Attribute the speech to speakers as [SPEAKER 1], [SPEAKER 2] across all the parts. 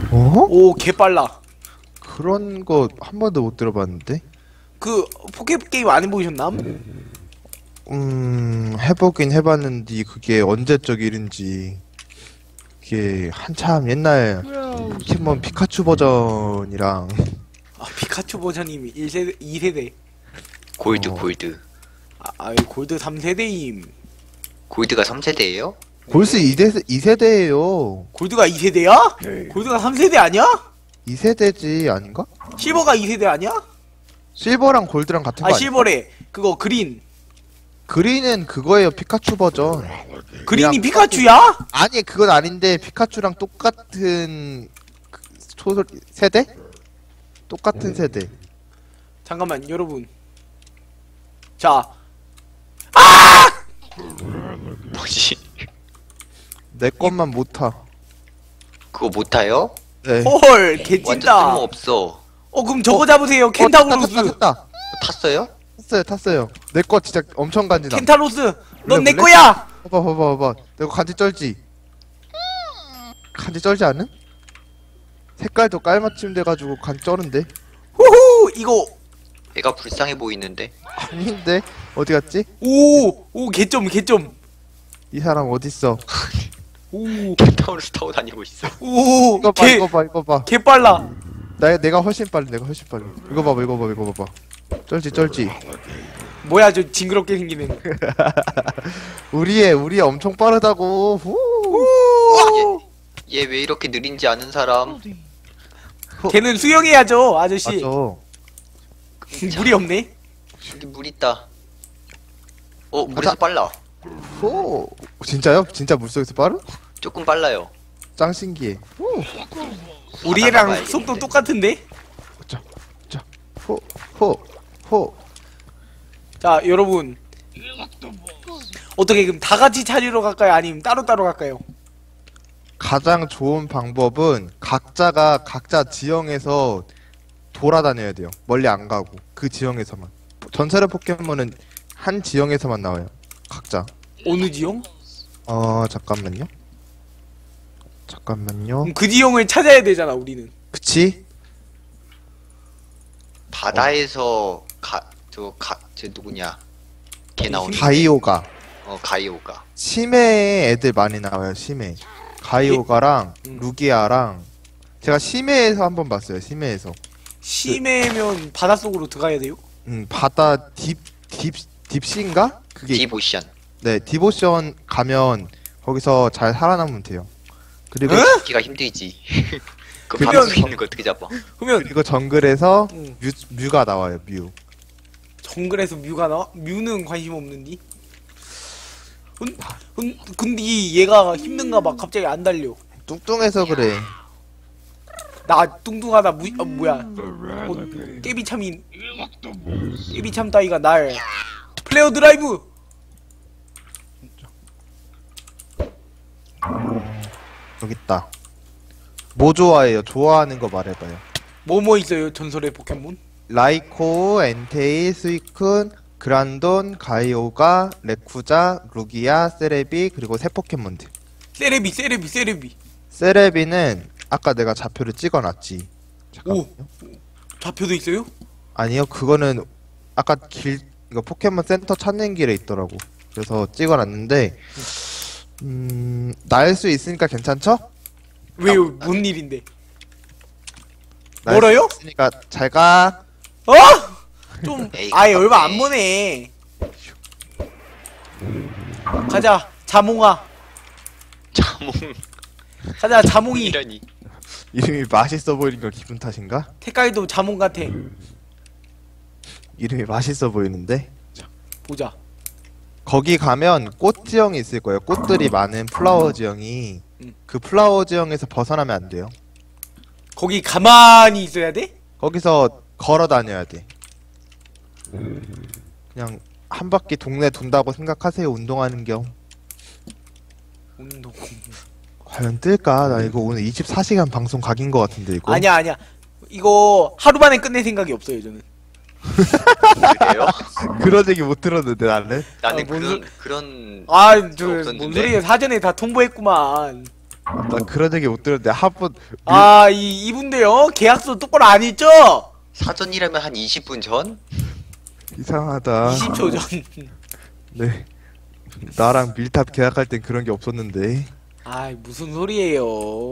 [SPEAKER 1] 어?
[SPEAKER 2] 오, 개빨라.
[SPEAKER 1] 그런 거 한 번도 못 들어봤는데?
[SPEAKER 2] 그 포켓게임 안 해보셨나?
[SPEAKER 1] 해보긴 해봤는데 그게 언제적 일인지 그게 한참 옛날 포켓몬 피카츄 버전이랑
[SPEAKER 2] 아, 피카츄 버전이 1세대, 2세대.
[SPEAKER 3] 골드
[SPEAKER 1] 어.
[SPEAKER 3] 골드.
[SPEAKER 2] 골드 3세대임.
[SPEAKER 3] 골드가 3세대예요?
[SPEAKER 1] 골스 2세대예요.
[SPEAKER 2] 골드가 2세대야? 골드가 3세대 아니야?
[SPEAKER 1] 2세대지 아닌가?
[SPEAKER 2] 실버가 2세대 아니야?
[SPEAKER 1] 실버랑 골드랑 같은 거 아니야?
[SPEAKER 2] 실버래. 그거 그린.
[SPEAKER 1] 그린은 그거예요, 피카츄 버전.
[SPEAKER 2] 그린이
[SPEAKER 1] 그냥
[SPEAKER 2] 피카츄야?
[SPEAKER 1] 아니, 그건 아닌데 피카츄랑 똑같은 세대? 똑같은 세대.
[SPEAKER 2] 잠깐만, 여러분. 자,
[SPEAKER 3] 뭐지?
[SPEAKER 1] 내 것만 못 타.
[SPEAKER 3] 그거 못 타요?
[SPEAKER 1] 네.
[SPEAKER 2] 헐,
[SPEAKER 3] 완전
[SPEAKER 2] 개찐다.
[SPEAKER 3] 쓸모없어.
[SPEAKER 2] 그럼 저거 잡으세요. 켄타우로스.
[SPEAKER 1] 탔다.
[SPEAKER 3] 탔어요?
[SPEAKER 1] 탔어요. 내 거 진짜 엄청 간지나.
[SPEAKER 2] 켄타로스. 넌 내
[SPEAKER 1] 원래?
[SPEAKER 2] 거야.
[SPEAKER 1] 봐봐. 내 거 간지 쩔지? 간지 쩔지 않은? 색깔도 깔맞춤 돼가지고 간지 쩌는데?
[SPEAKER 2] 후후. 이거
[SPEAKER 3] 얘가 불쌍해 보이는데.
[SPEAKER 1] 아닌데? 어디 갔지?
[SPEAKER 2] 오, 개점.
[SPEAKER 1] 이 사람 어딨어?
[SPEAKER 2] 오,
[SPEAKER 3] 켄타우로스 타고 다니고 있어.
[SPEAKER 2] 오,
[SPEAKER 1] 이거 봐, 이거 봐.
[SPEAKER 2] 개 빨라.
[SPEAKER 1] 내가 훨씬 빨리. 이거 봐봐. 쩔지.
[SPEAKER 2] 뭐야, 저 징그럽게 생기는.
[SPEAKER 1] 우리의 엄청 빠르다고. 후.
[SPEAKER 3] 얘 왜 이렇게 느린지 아는 사람?
[SPEAKER 2] 걔는 수영해야죠, 아저씨.
[SPEAKER 1] 맞아.
[SPEAKER 2] 물이 없네.
[SPEAKER 3] 여기 물 있다. 물에서 빨라.
[SPEAKER 1] 후. 진짜요? 진짜 물속에서 빠르?
[SPEAKER 3] 조금 빨라요.
[SPEAKER 1] 짱 신기해. 후.
[SPEAKER 2] 우리랑
[SPEAKER 3] 가야겠는데.
[SPEAKER 2] 속도 똑같은데?
[SPEAKER 1] 호.
[SPEAKER 2] 자, 여러분. 어떻게 그럼 다 같이 찾으러 갈까요? 아니면 따로따로 갈까요?
[SPEAKER 1] 가장 좋은 방법은 각자 지형에서 돌아다녀야 돼요. 멀리 안 가고 그 지형에서만. 전설의 포켓몬은 한 지형에서만 나와요. 각자.
[SPEAKER 2] 어느 지형?
[SPEAKER 1] 잠깐만요.
[SPEAKER 2] 그럼 그 지형을 찾아야 되잖아, 우리는.
[SPEAKER 1] 그치?
[SPEAKER 3] 바다에서 저 누구냐? 걔 나오는.
[SPEAKER 1] 가이오가.
[SPEAKER 3] 가이오가.
[SPEAKER 1] 심해에 애들 많이 나와요. 심해. 가이오가랑 루기아랑 제가 심해에서 한번 봤어요. 심해에서.
[SPEAKER 2] 심해면 바닷속으로 들어가야 돼요?
[SPEAKER 1] 바다 딥시인가? 그게
[SPEAKER 3] 디보션.
[SPEAKER 1] 네, 디보션 가면 거기서 잘 살아남으면 돼요. 그리고
[SPEAKER 3] 잡기가 힘들지. 그
[SPEAKER 1] 그러면-
[SPEAKER 3] 바닷속에 있는 거 어떻게 잡아?
[SPEAKER 2] 그러면
[SPEAKER 1] 정글에서
[SPEAKER 2] 응.
[SPEAKER 1] 뮤가 나와요. 뮤.
[SPEAKER 2] 정글에서 뮤가 나와? 뮤는 관심 없는디? 근데 얘가 힘든가 봐. 갑자기 안 달려.
[SPEAKER 1] 뚱뚱해서 그래.
[SPEAKER 2] 나 뚱뚱하다 뭐야. 깨비참 따위가 날 플레어 드라이브.
[SPEAKER 1] 여기 있다. 뭐 좋아해요? 좋아하는 거 말해봐요.
[SPEAKER 2] 뭐 있어요? 전설의 포켓몬?
[SPEAKER 1] 라이코, 엔테이, 스위쿤, 그란돈, 가이오가, 레쿠자, 루기아, 세레비, 그리고 새 포켓몬들.
[SPEAKER 2] 세레비.
[SPEAKER 1] 세레비는 아까 내가 좌표를 찍어놨지. 잠깐만요.
[SPEAKER 2] 좌표도 있어요?
[SPEAKER 1] 아니요, 그거는 아까 이거 포켓몬 센터 찾는 길에 있더라고. 그래서 찍어놨는데, 날 수 있으니까 괜찮죠?
[SPEAKER 2] 왜요? 뭔 일인데?
[SPEAKER 1] 날
[SPEAKER 2] 멀어요?
[SPEAKER 1] 수 있으니까 잘 가.
[SPEAKER 2] 좀
[SPEAKER 3] 에이,
[SPEAKER 2] 아예 얼마
[SPEAKER 3] 가깝네.
[SPEAKER 2] 안 보네. 가자, 자몽아.
[SPEAKER 3] 자몽.
[SPEAKER 2] 가자, 자몽이.
[SPEAKER 3] 이러니.
[SPEAKER 1] 이름이 맛있어 보이는 거 기분 탓인가?
[SPEAKER 2] 색깔도 자몽 같아.
[SPEAKER 1] 이름이 맛있어 보이는데?
[SPEAKER 2] 보자.
[SPEAKER 1] 거기 가면 꽃 지형이 있을 거예요. 꽃들이 많은 플라워 지형이. 그 플라워 지형에서 벗어나면 안 돼요.
[SPEAKER 2] 거기 가만히 있어야 돼?
[SPEAKER 1] 거기서 걸어 다녀야 돼. 그냥 한 바퀴 동네 돈다고 생각하세요. 운동하는 겸.
[SPEAKER 2] 운동.
[SPEAKER 1] 과연 뜰까? 나 이거 오늘 24시간 방송 각인 거 같은데 이거.
[SPEAKER 2] 아니야. 이거 하루 만에 끝낼 생각이 없어요, 저는.
[SPEAKER 3] 그래요?
[SPEAKER 1] 그런 얘기 못 들었는데 나는.
[SPEAKER 3] 나는
[SPEAKER 2] 뭔
[SPEAKER 3] 그런
[SPEAKER 2] 아, 저
[SPEAKER 3] 없었는데?
[SPEAKER 2] 뭔 소리예요? 사전에 다 통보했구만.
[SPEAKER 1] 나 그런 얘기 못 들었는데 한번
[SPEAKER 2] 아, 이분데요? 계약서 똑바로 안 했죠?
[SPEAKER 3] 사전이라면 한 20분 전?
[SPEAKER 1] 이상하다.
[SPEAKER 2] 20초 전.
[SPEAKER 1] 네. 나랑 밀탑 계약할 땐 그런 게 없었는데.
[SPEAKER 2] 아이, 무슨 소리예요.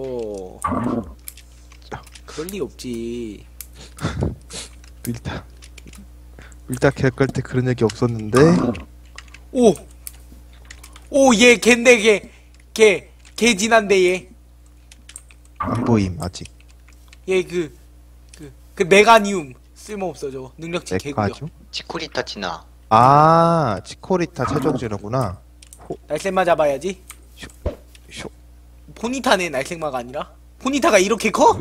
[SPEAKER 2] 그럴 리 없지.
[SPEAKER 1] 밀탑. 밀탑 계약할 때 그런 얘기 없었는데.
[SPEAKER 2] 오! 오, 얘 걘데, 걔 진한데, 얘.
[SPEAKER 1] 안 보임 아직.
[SPEAKER 2] 얘 그 메가니움. 쓸모없어, 저거. 능력치 개구려.
[SPEAKER 1] 내까죠?
[SPEAKER 3] 치코리타 치나.
[SPEAKER 1] 아, 치코리타 최종진이구나.
[SPEAKER 2] 날쌘마 잡아야지.
[SPEAKER 1] 쇼.
[SPEAKER 2] 포니타네, 날쌘마가 아니라. 포니타가 이렇게 커?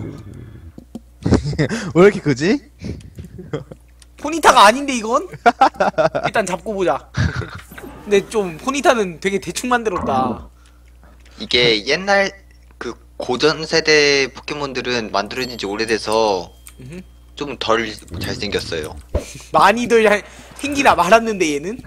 [SPEAKER 1] 왜 이렇게 크지?
[SPEAKER 2] 포니타가 아닌데, 이건? 일단 잡고 보자. 근데 좀, 포니타는 되게 대충 만들었다.
[SPEAKER 3] 이게 옛날 그 고전 세대 포켓몬들은 만들어진 지 오래돼서
[SPEAKER 2] 음흠.
[SPEAKER 3] 좀 덜 잘생겼어요.
[SPEAKER 2] 많이들 생기라 말았는데, 얘는?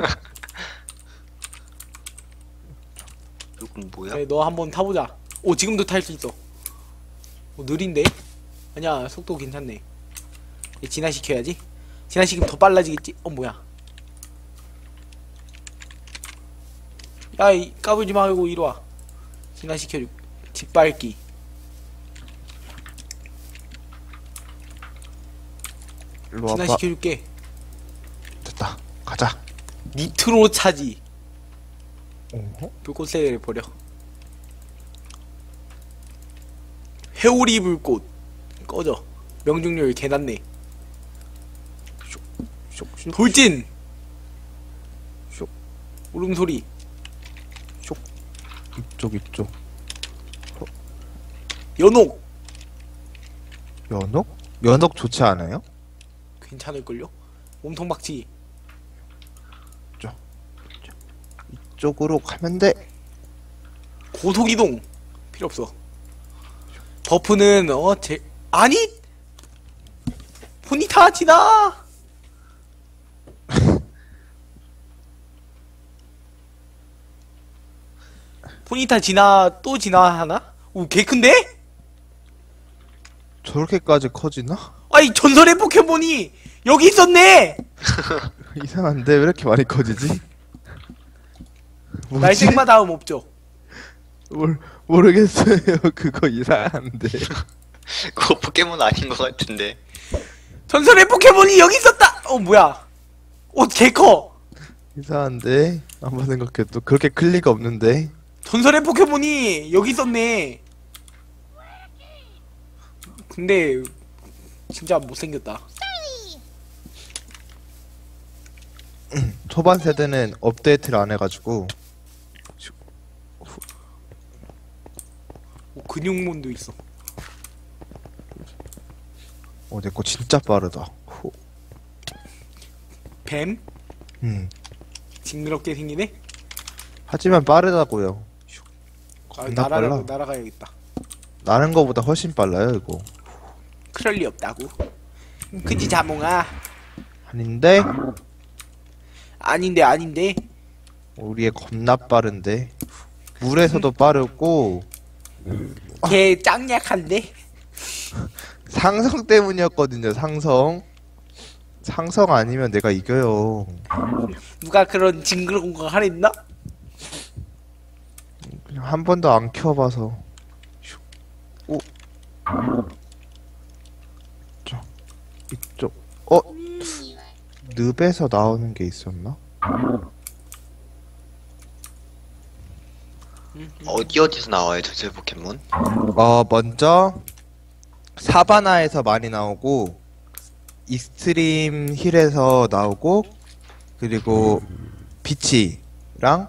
[SPEAKER 3] 이건 뭐야?
[SPEAKER 2] 그래, 너 한번 타보자. 오, 지금도 탈 수 있어. 오, 느린데? 아니야, 속도 괜찮네. 얘 진화시켜야지. 진화시키면 더 빨라지겠지? 뭐야. 야, 까불지 말고 이리 와. 진화시켜줄. 짓밟기.
[SPEAKER 1] 일로 와봐.
[SPEAKER 2] 진화시켜줄게.
[SPEAKER 1] 됐다. 가자.
[SPEAKER 2] 니트로 차지.
[SPEAKER 1] 어허?
[SPEAKER 2] 불꽃세를 버려. 회오리 불꽃. 꺼져. 명중률 개났네.
[SPEAKER 1] 쇽.
[SPEAKER 2] 돌진!
[SPEAKER 1] 쇽.
[SPEAKER 2] 울음소리.
[SPEAKER 1] 이쪽.
[SPEAKER 2] 연옥!
[SPEAKER 1] 연옥? 연옥 좋지 않아요?
[SPEAKER 2] 괜찮을걸요? 몸통 박치.
[SPEAKER 1] 이쪽으로 가면 돼.
[SPEAKER 2] 고속이동! 필요 없어. 버프는, 아니! 포니타 지나! 포니타 또 지나하나? 오, 개 큰데?
[SPEAKER 1] 저렇게까지 커지나?
[SPEAKER 2] 아이, 전설의 포켓몬이 여기 있었네!
[SPEAKER 1] 이상한데 왜 이렇게 많이 커지지? 뭐지?
[SPEAKER 2] 날쌘마 다음 없죠?
[SPEAKER 1] 모르겠어요. 그거 이상한데.
[SPEAKER 3] 그거 포켓몬 아닌 것 같은데.
[SPEAKER 2] 전설의 포켓몬이 여기 있었다! 뭐야. 개 커!
[SPEAKER 1] 이상한데. 한번 생각해도 그렇게 클 리가 없는데.
[SPEAKER 2] 전설의 포켓몬이 여기 있었네. 근데 진짜 못생겼다.
[SPEAKER 1] 초반 세대는 업데이트를 안 해가지고.
[SPEAKER 2] 근육몬도 있어.
[SPEAKER 1] 내 거 진짜 빠르다.
[SPEAKER 2] 뱀? 징그럽게 생기네?
[SPEAKER 1] 하지만 빠르다고요. 겁나 빨라.
[SPEAKER 2] 날아가야겠다.
[SPEAKER 1] 나는 거보다 훨씬 빨라요 이거.
[SPEAKER 2] 그럴 리 없다고. 그지 자몽아.
[SPEAKER 1] 아닌데?
[SPEAKER 2] 아닌데.
[SPEAKER 1] 우리의 겁나 빠른데. 물에서도 빠르고.
[SPEAKER 2] 걔 짱약한데?
[SPEAKER 1] 상성 때문이었거든요. 상성 아니면 내가 이겨요.
[SPEAKER 2] 누가 그런 징그러운 거 하랬나?
[SPEAKER 1] 그냥 한 번도 안 키워봐서. 오. 이쪽. 늪에서 나오는 게 있었나?
[SPEAKER 3] 어디서 나와요, 전설 포켓몬?
[SPEAKER 1] 먼저 사바나에서 많이 나오고 익스트림 힐에서 나오고 그리고 비치랑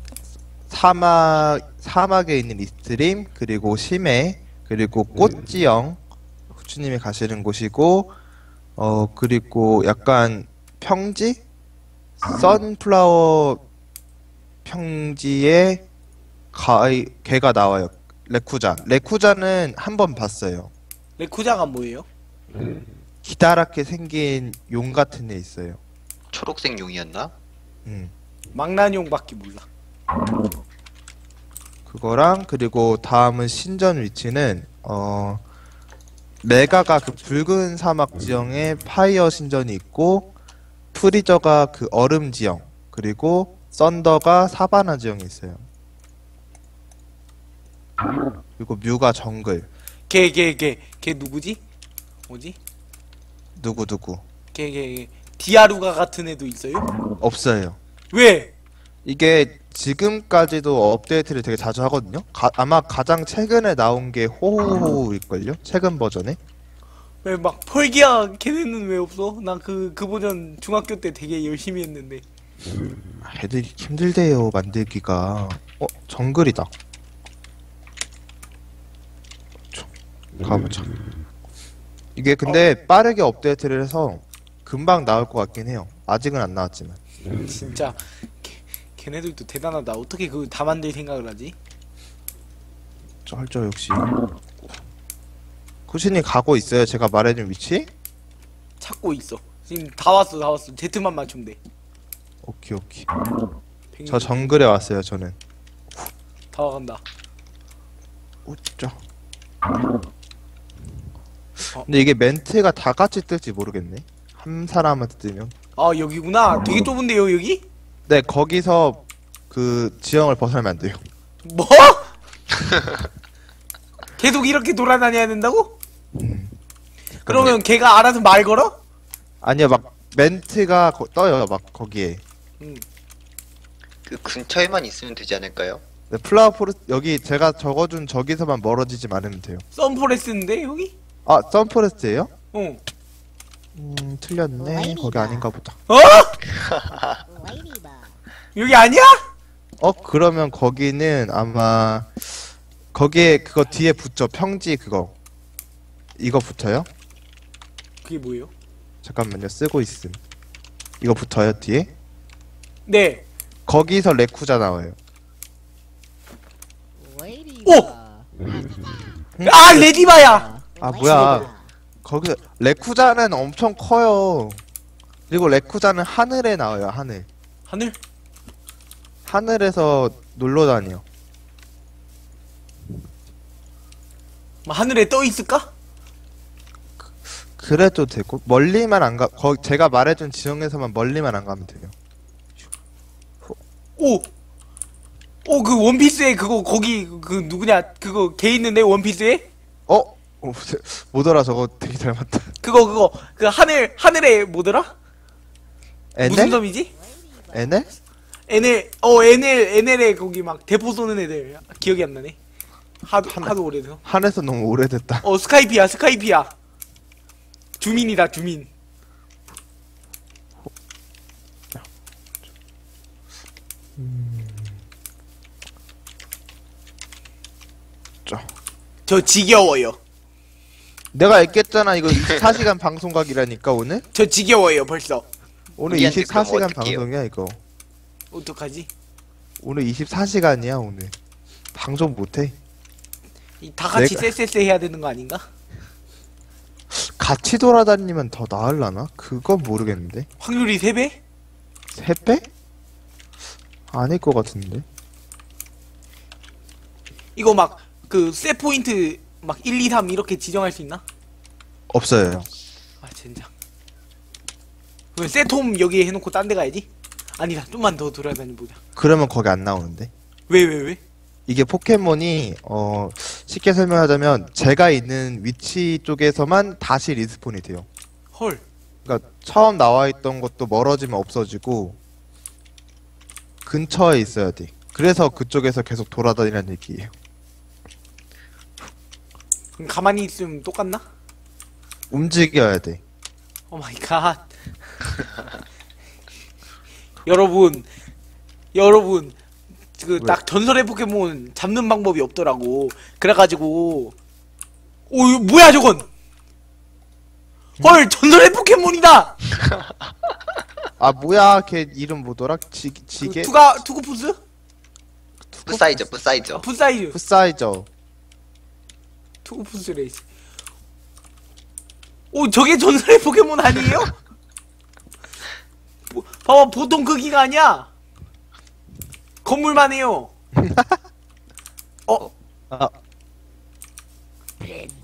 [SPEAKER 1] 사막에 있는 익스트림 그리고 심해 그리고 꽃지형 후추님이 가시는 곳이고 그리고 약간 평지 선플라워 평지에 개가 나와요. 레쿠자는 한 번 봤어요.
[SPEAKER 2] 레쿠자가 뭐예요?
[SPEAKER 1] 기다랗게 생긴 용 같은 애 있어요.
[SPEAKER 3] 초록색 용이었나?
[SPEAKER 1] 음.
[SPEAKER 2] 망나뇽밖에 몰라.
[SPEAKER 1] 그거랑 그리고 다음은 신전 위치는 메가가 그 붉은 사막 지형에 파이어 신전이 있고 프리저가 그 얼음 지형 그리고 썬더가 사바나 지형이 있어요. 그리고 뮤가 정글.
[SPEAKER 2] 걔 누구지? 뭐지?
[SPEAKER 1] 누구
[SPEAKER 2] 걔 디아루가 같은 애도 있어요?
[SPEAKER 1] 없어요.
[SPEAKER 2] 왜?
[SPEAKER 1] 이게 지금까지도 업데이트를 되게 자주 하거든요. 아마 가장 최근에 나온 게 호호호일걸요? 최근 버전에.
[SPEAKER 2] 왜 막 펄기야 걔네는 왜 없어? 나 그 버전 중학교 때 되게 열심히 했는데.
[SPEAKER 1] 애들이 힘들대요 만들기가. 정글이다. 가보자. 이게 근데 빠르게 업데이트를 해서 금방 나올 것 같긴 해요. 아직은 안 나왔지만.
[SPEAKER 2] 진짜 걔네들도 대단하다. 어떻게 그걸 다 만들 생각을 하지?
[SPEAKER 1] 쩔쩔 역시. 쿠신이 가고 있어요. 제가 말해준 위치?
[SPEAKER 2] 찾고 있어. 지금 다 왔어. Z만 맞추면 돼.
[SPEAKER 1] 오케이. 저 정글에 왔어요. 저는.
[SPEAKER 2] 다 와간다.
[SPEAKER 1] 우짜. 근데 이게 멘트가 다 같이 뜰지 모르겠네. 한 사람한테 뜨면.
[SPEAKER 2] 아 여기구나. 되게 좁은데요 여기?
[SPEAKER 1] 네, 거기서 그 지형을 벗어나면 안 돼요.
[SPEAKER 2] 뭐? 계속 이렇게 돌아다녀야 된다고? 그러면 걔가 알아서 말 걸어?
[SPEAKER 1] 아니요, 막 멘트가 떠요. 막 거기에.
[SPEAKER 3] 그 근처에만 있으면 되지 않을까요?
[SPEAKER 1] 네, 플라워 포레스트 여기 제가 적어준 저기서만 멀어지지 않으면 돼요.
[SPEAKER 2] 썬포레스인데 여기?
[SPEAKER 1] 아, 선포레스트예요?
[SPEAKER 2] 어.
[SPEAKER 1] 틀렸네. 거기 아닌가 보다.
[SPEAKER 2] 어? 여기 아니야?
[SPEAKER 1] 그러면 거기는 아마 거기에 그거 뒤에 붙죠. 평지 그거. 이거 붙어요?
[SPEAKER 2] 그게 뭐예요?
[SPEAKER 1] 잠깐만요. 쓰고 있음. 이거 붙어요, 뒤에?
[SPEAKER 2] 네.
[SPEAKER 1] 거기서 레쿠자 나와요.
[SPEAKER 2] 오! 아 레디바야!
[SPEAKER 1] 아, 뭐야. 거기 레쿠자는 엄청 커요. 그리고 레쿠자는 하늘에 나와요, 하늘.
[SPEAKER 2] 하늘?
[SPEAKER 1] 하늘에서 놀러 다녀.
[SPEAKER 2] 뭐 하늘에 떠 있을까?
[SPEAKER 1] 그래도 되고 멀리만 안 가. 제가 말해준 지형에서만 멀리만 안 가면 돼요.
[SPEAKER 2] 오! 오 그 원피스에 그거 거기 그 누구냐 그거 걔 있는데 원피스에?
[SPEAKER 1] 뭐더라 저거 되게 닮았다.
[SPEAKER 2] 그거 그 하늘에 뭐더라? 무슨
[SPEAKER 1] 에넬?
[SPEAKER 2] 섬이지?
[SPEAKER 1] 에넬?
[SPEAKER 2] NL에 거기 막 대포 쏘는 애들 기억이 안 나네. 하도 오래돼서.
[SPEAKER 1] 하늘에서 너무 오래됐다.
[SPEAKER 2] 스카이피야. 주민이다 주민. 저 지겨워요.
[SPEAKER 1] 내가 얘기했잖아 이거 24시간 방송 각이라니까 오늘?
[SPEAKER 2] 저 지겨워요 벌써.
[SPEAKER 1] 오늘
[SPEAKER 3] 우리한테 그럼
[SPEAKER 1] 24시간
[SPEAKER 3] 어떡해요?
[SPEAKER 1] 방송이야 이거.
[SPEAKER 2] 어떡하지?
[SPEAKER 1] 오늘 24시간이야 오늘. 방송 못해.
[SPEAKER 2] 다 같이
[SPEAKER 1] 내가-
[SPEAKER 2] 쎄쎄쎄 해야 되는 거 아닌가?
[SPEAKER 1] 같이 돌아다니면 더 나을라나? 그건 모르겠는데.
[SPEAKER 2] 확률이 3배?
[SPEAKER 1] 3배? 아닐 것 같은데.
[SPEAKER 2] 이거 막 그 쎄 포인트 막 1, 2, 3 이렇게 지정할 수 있나?
[SPEAKER 1] 없어요.
[SPEAKER 2] 아 젠장. 그럼 쎄톰 여기에 해놓고 딴 데 가야지? 아니다 좀만 더 돌아다녀보자.
[SPEAKER 1] 그러면 거기 안 나오는데.
[SPEAKER 2] 왜?
[SPEAKER 1] 이게 포켓몬이 쉽게 설명하자면 제가 있는 위치 쪽에서만 다시 리스폰이 돼요.
[SPEAKER 2] 헐.
[SPEAKER 1] 그러니까 처음 나와 있던 것도 멀어지면 없어지고 근처에 있어야 돼. 그래서 그쪽에서 계속 돌아다니라는 얘기예요.
[SPEAKER 2] 그럼 가만히 있으면 똑같나?
[SPEAKER 1] 움직여야 돼.
[SPEAKER 2] 오 마이 갓. 여러분 그 딱 전설의 포켓몬 잡는 방법이 없더라고. 그래가지고 이거 뭐야 저건? 헐 전설의 포켓몬이다.
[SPEAKER 1] 아 뭐야 걔 이름 뭐더라? 지게?
[SPEAKER 2] 투구푸스?
[SPEAKER 3] 뿌사이저.
[SPEAKER 2] 풋사이즈.
[SPEAKER 1] 풋사이저.
[SPEAKER 2] 투구푸스 레이스. 오 저게 전설의 포켓몬 아니에요? 봐봐 보통 크기가 아니야. 건물만 해요. 어?
[SPEAKER 1] 아,
[SPEAKER 4] 브레드